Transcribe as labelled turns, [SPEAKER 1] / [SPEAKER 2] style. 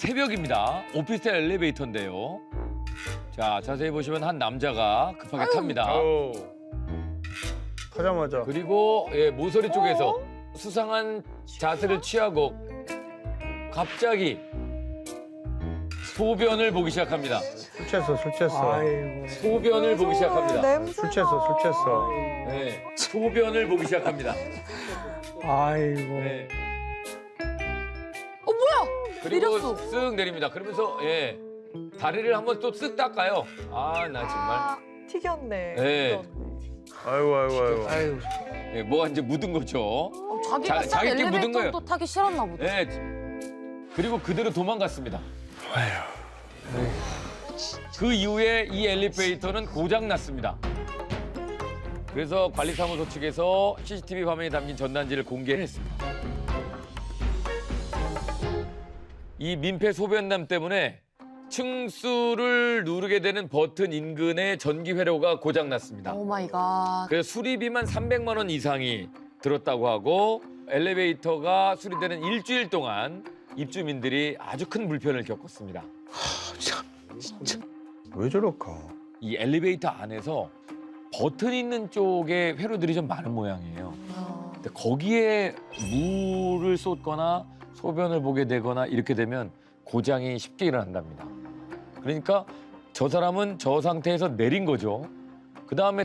[SPEAKER 1] 새벽입니다. 오피스텔 엘리베이터인데요. 자, 자세히 보시면 한 남자가 급하게 탑니다.
[SPEAKER 2] 아우. 타자마자.
[SPEAKER 1] 그리고 모서리 쪽에서 수상한 자세를 취하고 갑자기 소변을 보기 시작합니다.
[SPEAKER 2] 술 취했어, 술 취했어.
[SPEAKER 3] 아이고.
[SPEAKER 1] 소변을 보기 시작합니다.
[SPEAKER 2] 술 취했어, 술 취했어.
[SPEAKER 1] 네, 소변을 보기 시작합니다.
[SPEAKER 3] 아이고.
[SPEAKER 1] 네.
[SPEAKER 4] 뭐야?
[SPEAKER 1] 그리고
[SPEAKER 4] 내렸어.
[SPEAKER 1] 쓱 내립니다. 그러면서 다리를 한번 또 쓱 닦아요. 아, 나 정말.
[SPEAKER 5] 튀겼네.
[SPEAKER 1] 네.
[SPEAKER 2] 아이고, 아이고, 아이고.
[SPEAKER 3] 아이고.
[SPEAKER 1] 뭐가 이제 묻은 거죠.
[SPEAKER 4] 자기가 싼
[SPEAKER 1] 자기 끼 묻은 거예요.
[SPEAKER 4] 엘리베이터 또 타기 싫었나 보다.
[SPEAKER 1] 네. 그리고 그대로 도망갔습니다. 그 이후에 이 엘리베이터는 고장 났습니다. 그래서 관리사무소 측에서 CCTV 화면에 담긴 전단지를 공개했습니다. 이 민폐 소변남 때문에 층수를 누르게 되는 버튼 인근의 전기 회로가 고장 났습니다.
[SPEAKER 4] 오 마이 갓.
[SPEAKER 1] 그래서 수리비만 300만 원 이상이 들었다고 하고 엘리베이터가 수리되는 일주일 동안 입주민들이 아주 큰 불편을 겪었습니다.
[SPEAKER 2] 왜 저럴까?
[SPEAKER 1] 이 엘리베이터 안에서 버튼 있는 쪽에 회로들이 좀 많은 모양이에요. 근데 거기에 물을 쏟거나 소변을 보게 되거나 이렇게 되면 고장이 쉽게 일어난답니다. 그러니까 저 사람은 저 상태에서 내린 거죠. 그다음에